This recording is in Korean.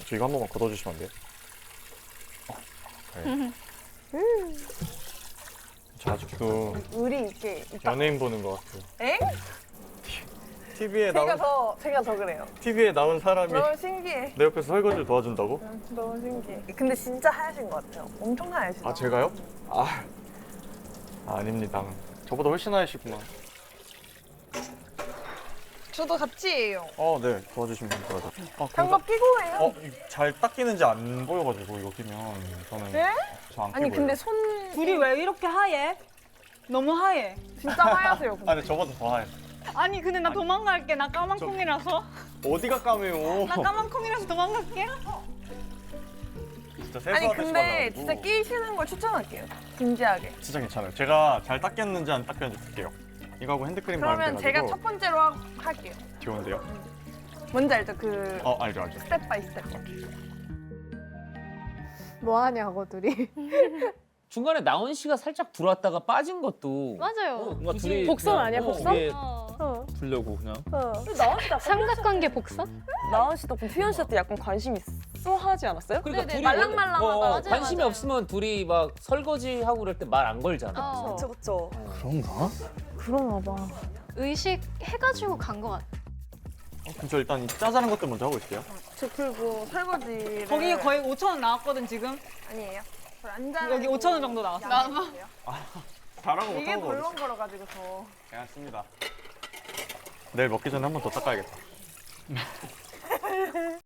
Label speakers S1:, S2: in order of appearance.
S1: 저 이거 한 번만 걷어주시면 안 돼요? 네. 저 아직도
S2: 의리 있게 있다.
S1: 연예인 보는 것 같아요.
S2: 엥?
S1: TV에
S2: 제가 더 그래요.
S1: TV에 나온 사람이
S2: 너무 신기해.
S1: 내 옆에서 설거지를 도와준다고?
S2: 너무 신기해. 근데 진짜 하얘신 것 같아요. 엄청 하얘시다.
S1: 아 제가요? 아닙니다. 저보다 훨씬 하얘시구만.
S2: 저도 같이 해요.
S1: 네 도와주시면 됩니다.
S2: 장갑 끼고 해요.
S1: 잘 닦이는지 안 보여가지고 이거 끼면 저는
S2: 네?
S1: 저안 끼고
S2: 아니 근데
S1: 해요.
S2: 손
S3: 둘이 왜 이렇게 하얘? 너무 하얘.
S2: 진짜 하얗세요. 근데.
S1: 근데 저보다 더 하얘.
S3: 아니 근데 나 도망갈게. 나 까만 콩이라서.
S1: 어디가 까매요?
S3: 나 까만 콩이라서 도망갈게.
S1: 진짜
S2: 아니
S1: 세수하듯이
S2: 근데
S1: 발라가지고.
S2: 진짜 끼시는 걸 추천할게요. 진지하게.
S1: 진짜 괜찮아요. 제가 잘 닦였는지 안 닦였는지 볼게요. 이거하고 핸드크림 바르면
S2: 그러면 제가 첫 번째로 할게요.
S1: 좋은데요?
S2: 뭔지 알죠? 그
S1: 알죠.
S2: 스텝 바이 스텝.
S4: 뭐 하냐고 둘이.
S5: 중간에 나온 씨가 살짝 들어왔다가 빠진 것도
S4: 맞아요.
S5: 뭔가 둘이
S4: 복선
S5: 그냥,
S4: 아니야, 복선?
S5: 이게
S4: 어.
S5: 보려고 그냥.
S4: 삼각관계 복선?
S6: 나은 씨 덕분 수현 씨한테 약간 관심 있어 하지 않았어요?
S5: 그러니까
S4: 네네,
S5: 둘이
S4: 말랑말랑하다. 맞아요,
S5: 관심이
S4: 맞아요.
S5: 없으면 둘이 막 설거지 하고 그럴 때 말 안 걸잖아.
S6: 그쵸 그쵸.
S5: 그런가?
S4: 그런가 봐. 의식 해가지고 간 것 같아.
S1: 그럼 저 일단 이 짜잘한 것들 먼저 하고 있을게요.
S2: 저 그리고 설거지를
S3: 거기 거의 5천 원 나왔거든 지금.
S2: 아니에요. 안
S3: 여기 5천 원 정도 나왔어.
S1: 잘하고
S2: 이게
S1: 못하고 거
S2: 벌렁거려가지고 더.
S1: 괜찮습니다. 내일 먹기 전에 한 번 더 닦아야겠다.